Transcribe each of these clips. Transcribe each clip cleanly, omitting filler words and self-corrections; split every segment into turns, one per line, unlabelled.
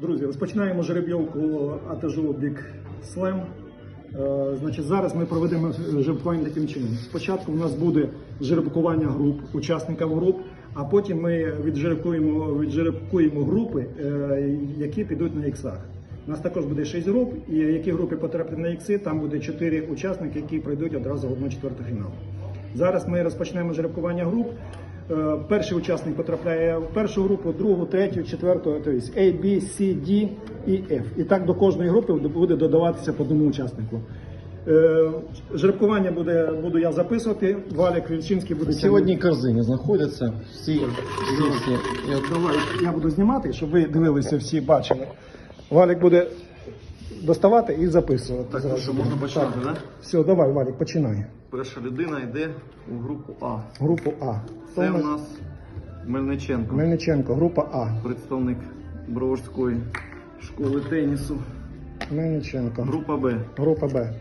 Друзі, розпочинаємо жеребйовку АТЖУ Big Slam. Значить, зараз ми проведемо жеребкування таким чином. Спочатку у нас буде жеребкування груп, учасників груп, а потім ми віджеребкуємо групи, які підуть на іксах. У нас також буде 6 груп, і які групи потраплять на ікси, там буде 4 учасники, які пройдуть одразу в 1/4 фіналу. Зараз ми розпочнемо жеребкування груп. Перший учасник потрапляє в першу групу, другу, третю, четверту, тобто A, B, C, D і F. І так до кожної групи буде додаватися по одному учаснику. Жеребкування буду я записувати, Валік Вільчинський буде...
Всі в одній корзині знаходяться, всі.
Давай, я буду знімати, щоб ви дивилися, всі бачили. Валік буде доставати і записувати.
Так, ну що, можна починати, так?
Все, давай, Валік, починай.
Перша людина йде у групу А.
Групу А.
Це у нас Мельниченко.
Мельниченко, група А.
Представник Броварської школи тенісу.
Мельниченко.
Група Б.
Група Б.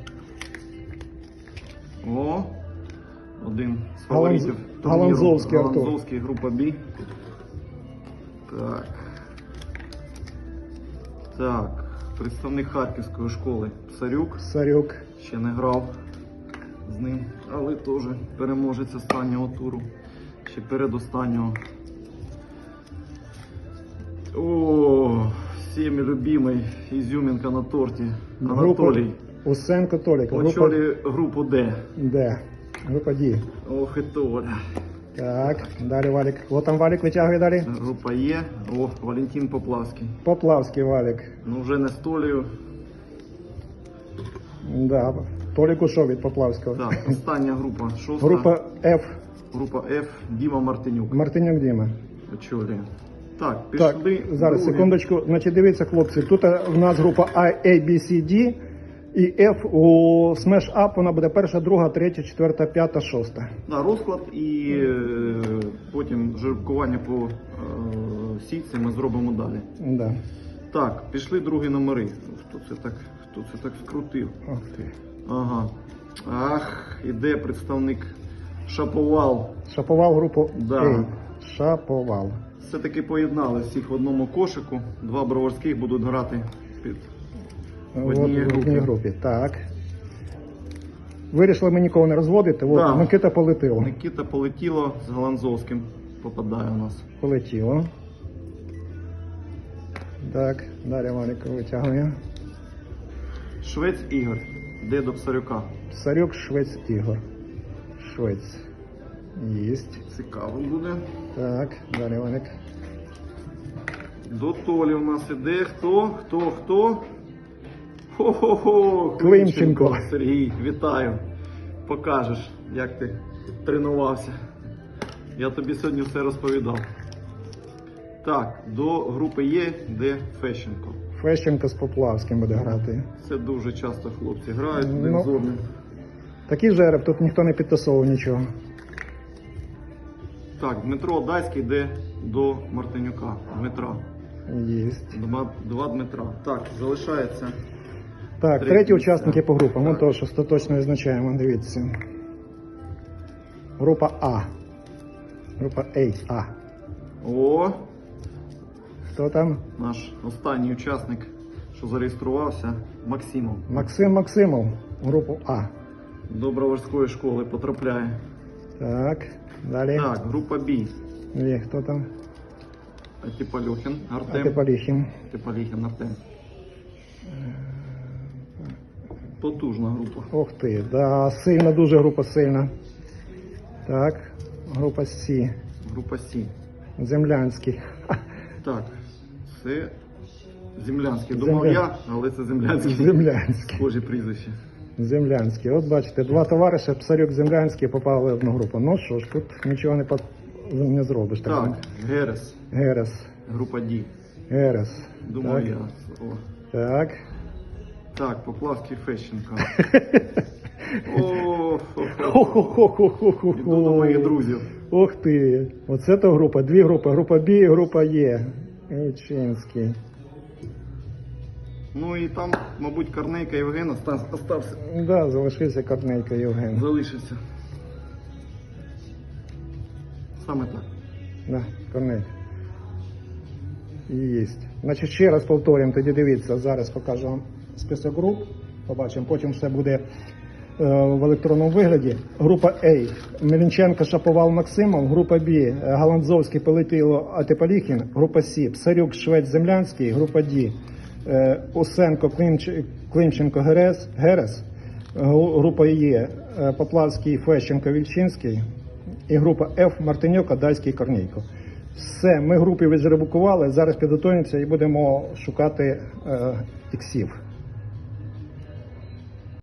О, один з фаворитів турніру.
Галанзовський Артур.
Галанзовський, група Б. Так. Так. Представник Харківської школи Псарюк.
Сарюк.
Ще не грав з ним, але теж переможець останнього туру. Ще передостаннього. О, всіми любимий ізюмінка на торті. Анатолій.
Усенко Толік.
Очолює групу Д.
Д. Група Д.
Ох і Толя.
Так, далі Валік. От там Валік витягує далі.
Група Є. О, Валентин Поплавський.
Поплавський Валік.
Ну вже не з Толею.
Да. Толік ушов від Поплавського.
Так, остання група. Шоста.
Група F.
Група F. Діма Мартинюк.
Мартинюк Діма.
Очолює. Так, пішли.
Так, зараз,
другі.
секундочку. Значить, дивіться, хлопці, тут в нас група A, B, C, D і F. У Smash Up вона буде перша, друга, третя, четверта, п'ята, шоста.
Да, розклад і потім жеребкування по сітці ми зробимо далі.
Да.
Так, пішли другі номери. Хто це так скрутив?
Ох ти.
Ага. Ах, іде представник Шаповал.
Шаповал групу
Да.
A. Шаповал.
Все-таки поєднали всіх в одному кошику. Два броварських будуть грати в одній
В одній групі. Так. Вирішили ми нікого не розводити. От,
Да.
Микита полетіло.
Микита полетіло з Галанзовським. Попадає у нас.
Полетіло. Так, далі Валік витягує.
Швець Ігор. Йде до Псарюка.
Псарюк, Швець, Ігор. Швець. Єсть.
Цікаво буде.
Так, далі Валік.
До Толі у нас іде хто? Хо-хо-хо!
Климченко.
Сергій, вітаю. Покажеш, як ти тренувався. Я тобі сьогодні все розповідав. Так, до групи Є, де Фещенко.
Фещенко з Поплавським буде грати.
Це дуже часто хлопці грають один
Ну,
з одним.
Такий жереб, тут ніхто не підтасовував нічого.
Так, Дмитро Дайський йде до Мартинюка. Дмитра.
Єсть.
Два Дмитра. Так, залишається.
Так,
Третій
треті
місця.
учасники по групам. Ми
Так.
теж остаточно визначаємо, дивіться. Група А. Група А.
О,
Хто там?
наш останній учасник, що зареєструвався, Максимов.
Максим Максимов. Групу А.
До Броварської школи потрапляє.
Так, далі.
Так, група Б.
Є, хто там?
Атипалюхін, Артем.
Атипаліхін.
Атипалюхін, Артем. Потужна група.
Ох ти, да, сильна, дуже група сильна. Так, група С.
Група С.
Землянський.
Так, це Землянський. Думав я, але це Землянський.
Землянський.
Схожі прізвище.
Землянський. От бачите, два товариша, Псарюк, Землянський, попали в одну групу. Ну що ж, тут нічого не зробиш.
Так, Герес.
Герес.
Група Д.
Герес.
Думав
Так.
я. О.
Так.
Так, Поплавський Фещенко. О,
Хо-хо-хо-хо-хо-хо.
іду до моїх друзів.
Ох ти. Оце то група. Дві групи. Група Б і група Є. Ічинський.
Ну і там, мабуть, Корнейка Євген остався.
Да, залишився Корнейко Євген.
Залишився. Саме так.
Да, Корнейко. Єсть. Значить, ще раз повторюємо, тоді дивіться, зараз покажу вам список груп, побачимо, потім все буде в електронному вигляді. Група А. Мельниченко, Шаповал, Максимов. Група Б. Галандзовський, Пелетило, Атипаліхін. Група С. Псарюк, Швець, Землянський. Група Д. Усенко, Климченко, Герес. Група Е. Поплавський, Фещенко, Вільчинський. І група Ф. Мартиньок, Адайський, Корнійко. Все, ми групи віджеребукували, зараз підготуємося і будемо шукати іксів.